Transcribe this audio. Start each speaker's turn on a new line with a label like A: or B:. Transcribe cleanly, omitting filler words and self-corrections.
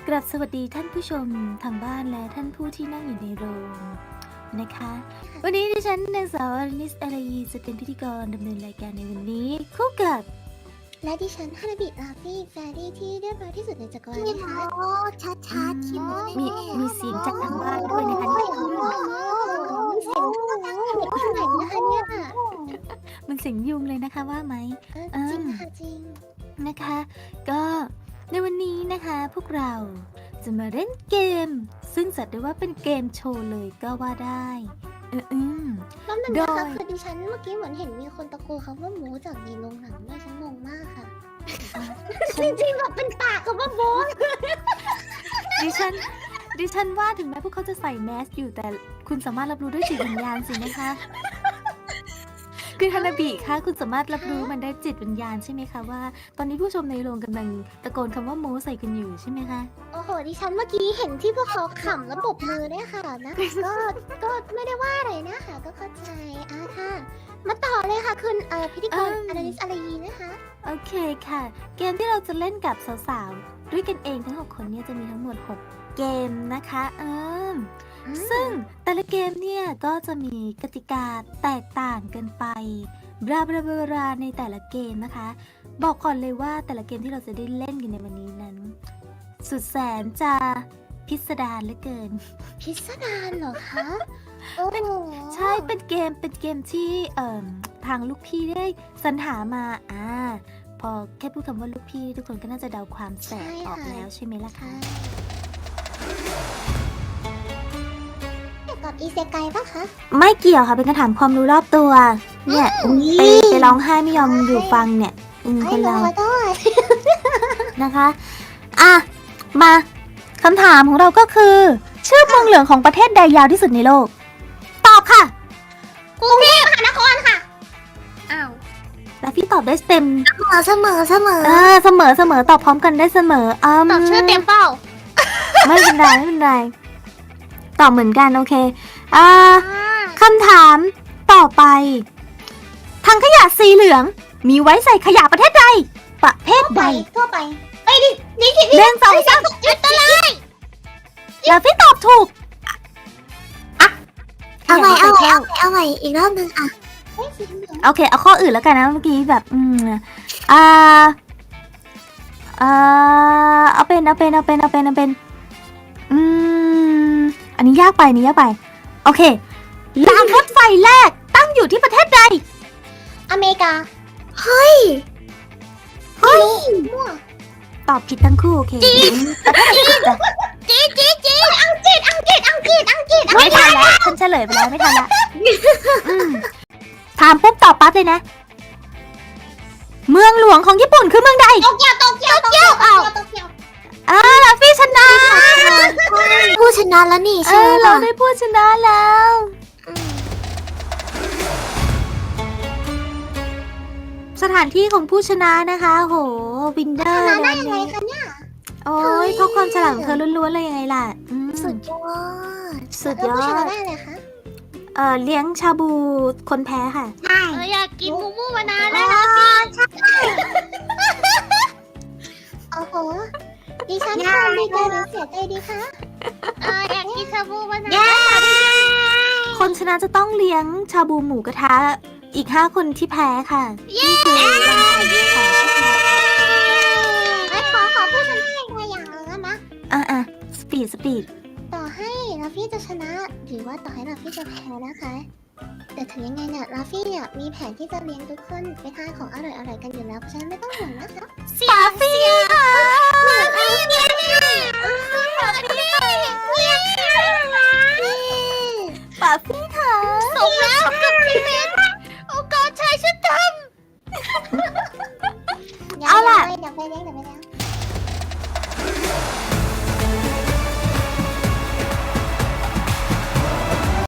A: กราบสวัสดีท่านผู้ชมทางบ้านและท่านผู้ที่นั่งอยู่ในโรงนะคะ วันนี้ดิฉันนางสาวอนิสอารีจะเป็นพิธีกรดำเนินรายการในวันนี้คู่กับ
B: และดิฉันฮานาบิราฟี่แฟรี่ที่เรียบร้อยที่สุดในจักรวาลนะคะชัดๆคิโม
A: มีเสียงจากทางบ้านด้วยนะคะนี่
B: เสียงเด็กที่ไหนนะคะเนี่ย
A: มันเสียงยุงเลยนะคะว่าไหม
B: จริงค่ะจริง
A: นะคะ ก็ในวันนี้นะคะพวกเราจะมาเล่นเกม ซึ่งจัดได้ว่าเป็นเกมโชว์เลยก็ว่าได้
B: แล้วมันนะคะคือดิฉันเมื่อกี้เหมือนเห็นมีคนตะโกนคำว่าหมูจากในโรงหนังด้วยฉันงงมากค่ะจริงๆแบบเป็นปากคำว่าโบส
A: ดิฉันว่าถึงแม้พวกเขาจะใส่แมสอยู่แต่คุณสามารถรับรู้ด้วยจิตวิญญาณสินะคะคือฮานาบิคะคุณสามารถรับรู้มันได้จิตวิญญาณใช่ไหมคะว่าตอนนี้ผู้ชมในโรงกำลังตะโกนคำว่าโมใส่กันอยู่ใช่ไหมคะ
B: โอ้โหดิฉันเมื่อกี้เห็นที่พวกเขาขำแล้วปรบมือเนี่ยค่ะนะก็ไม่ได้ว่าอะไรนะคะก็เข้าใจค่ะมาต่อเลยค่ะคุณพิธีกรอนาลิสอารีนะคะ
A: โอเคค่ะ เกมที่เราจะเล่นกับสาวๆด้วยกันเองทั้ง6คนเนี่ยจะมีทั้งหมด6เกมนะคะซึ่งแต่ละเกมเนี่ยก็จะมีกติกาแตกต่างกันไปบลาบลาบลาในแต่ละเกมนะคะบอกก่อนเลยว่าแต่ละเกมที่เราจะได้เล่นกันในวันนี้นั้นสุดแสนจะพิสดารเหลือเกิน
B: พิสดารเหรอคะโอ้
A: ใช่เป็นเกมที่ทางลูกพี่ได้สรรหามาพอแค่พูดคำว่าลูกพี่ทุกคนก็น่าจะเดาความแสบออกแล้วใช่ไหมล่ะคะ
B: กับอีเซไกปะคะ
A: ไม่เกี่ยวค่ะเป็นการถามความรู้รอบตัวเนี่ยไปร้องไห้ไม่ยอมอยู่ฟังเนี่ยคนเรานะคะมาคำถามของเราก็คือชื่อเมืองหลวงของประเทศใดยาวที่สุดในโลกตอบค่ะ
B: กรุงเทพมหานครค่ะ
A: อ้าวแล้วพี่ตอบได้เต็ม
B: เสมอเส
A: มอตอบพร้อมกันได้เสมอ
B: ตอบชื่อเต็มเปล่า
A: ไม่เป็นไรตอบเหมือนกันโอเคคำถามต่อไปถังขยะสีเหลืองมีไว้ใส่ขยะประเทศใดประเภทใด
B: ทั่วไปไอ้นี่
A: เรื่อง2 3
B: จุดตะไล
A: แล้วพี่ตอบถูก
B: เอาใหม่อีกรอบนึง
A: โอเคเอาข้ออื่นแล้วกันนะเมื่อกี้แบบเอาเป็นอันนี้ยากไปโอเครางรถไฟแรกตั้งอยู่ที่ประเทศใด
B: อเมริกาเฮ้ยมั่ว
A: ตอบผิดทั้งคู่โอเคจีน
B: อังกฤษ
A: ไม่ทันแล้วฉันเฉลยไปแล้วไม่ทันละถามปุ๊บตอบปั๊บเลยนะเมืองหลวงของญี่ปุ่นคือเมืองใด
B: โตเกียว
A: แล้วพี่ชนะ
B: ผู้ชนะแล้วนี่ใช่ไหม
A: เราได้ผู้ชนะแล้วสถานที่ของผู้ชนะนะคะโหวินเดอร์
B: ชนะได้ยังไงคะเนี่ย
A: โอ้ยเพราะความฉลาดของเธอล้วนๆเลยยังไงล่ะ
B: สุดยอดผู้ชนะได้เลยคะ
A: เลี้ยงชาบูคนแพ้ค่ะ
B: ใช่อยากกินมูมานานแล้วนะพี่โอ้โหดิฉันทำดีใจหรือเสียใจดีคะอยากกินชาบูมานาน
A: คนชนะจะต้องเลี้ยงชาบูหมูกระทะอีก5 คนที่แพ้ค่ะ
B: นี่คือขอพูดชนะอีกอย่างนึงนะ
A: สปีด
B: ต่อให้ราฟี่จะชนะหรือว่าต่อให้ราฟี่จะแพ้นะคะแต่ถึงยังไงเนี่ยราฟี่เนี่ยมีแผนที่จะเลี้ยงทุกคนไปทานของอร่อยๆกันอยู่แล้วเพราะฉะนั้นไม่ต้องห่วงนะคะ
A: ราฟี่